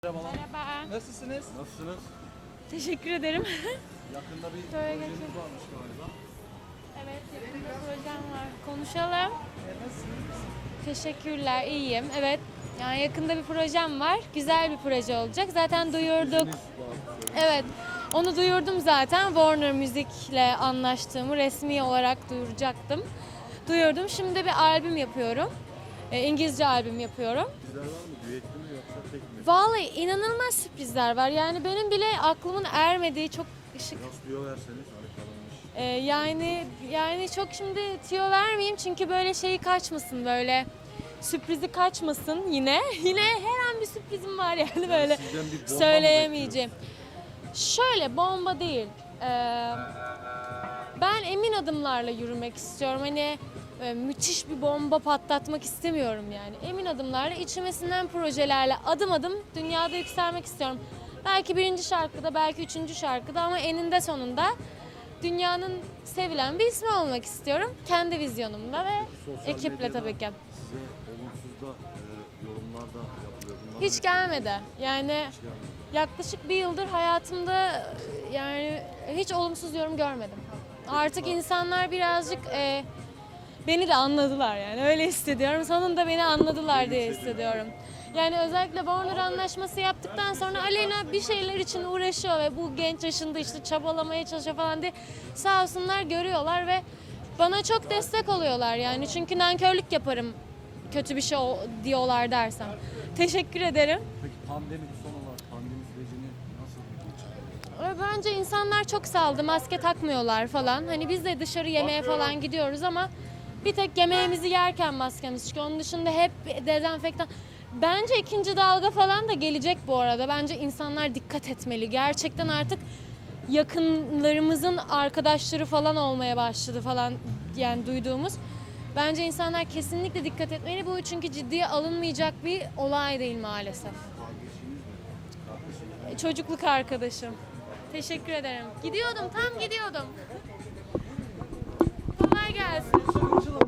Merhabalar. Merhaba. Nasılsınız? Nasılsınız? Teşekkür ederim. Yakında bir Böyle projeniz geçelim. varmış galiba. Evet, yakında projem var. Konuşalım. Nasılsınız? Teşekkürler, iyiyim. Evet, yani yakında bir projem var. Güzel bir proje olacak. Zaten duyurduk. Projeniz var. Evet, onu duyurdum zaten. Warner Music'le anlaştığımı resmi olarak duyuracaktım. Duyurdum. Şimdi bir albüm yapıyorum. İngilizce albüm yapıyorum. Sizler var mı? Düetli mi yoksa tek mi? Vallahi inanılmaz sürprizler var. Yani benim bile aklımın ermediği çok ışık. Biraz tüyo verseniz harikalanmış. Yani çok şimdi tüyo vermeyeyim çünkü böyle şeyi kaçmasın, böyle sürprizi kaçmasın yine. Yine her an bir sürprizim var yani böyle Sizden bir bomba mı söyleyemeyeceğim. Şöyle bomba değil. Ben emin adımlarla yürümek istiyorum. Hani müthiş bir bomba patlatmak istemiyorum yani. Emin adımlarla, içime sinen projelerle adım adım dünyada yükselmek istiyorum. Belki birinci şarkıda, belki üçüncü şarkıda ama eninde sonunda dünyanın sevilen bir ismi olmak istiyorum. Kendi vizyonumla ve Sosyal ekiple medyada tabii ki. Size olumsuz da yorumlar da yapılıyor. Bunlar Hiç gelmedi. Yani yaklaşık bir yıldır hayatımda yani hiç olumsuz yorum görmedim. Artık insanlar birazcık beni de anladılar yani öyle hissediyorum. Sonunda beni anladılar diye hissediyorum. Yani özellikle Warner anlaşması yaptıktan sonra Aleyna bir şeyler için uğraşıyor ve bu genç yaşında işte çabalamaya çalışıyor falan diye sağ olsunlar görüyorlar ve bana çok destek oluyorlar yani. Çünkü nankörlük yaparım kötü bir şey diyorlar dersem. Teşekkür ederim. Peki pandemi son olarak pandemi sürecini nasıl geçirdiniz? Bence insanlar çok saldı, maske takmıyorlar falan. Hani biz de dışarı yemeğe falan gidiyoruz ama bir tek yemeğimizi yerken maskemiz çıkıyor. Onun dışında hep dezenfektan. Bence ikinci dalga falan da gelecek bu arada. Bence insanlar dikkat etmeli. Gerçekten artık yakınlarımızın arkadaşları falan olmaya başladı falan yani duyduğumuz. Bence insanlar kesinlikle dikkat etmeli. Bu çünkü ciddiye alınmayacak bir olay değil maalesef. Kardeşiniz mi? Kardeşiniz mi? Çocukluk arkadaşım. Teşekkür ederim. Gidiyordum, tam gidiyordum. Kolay gelsin.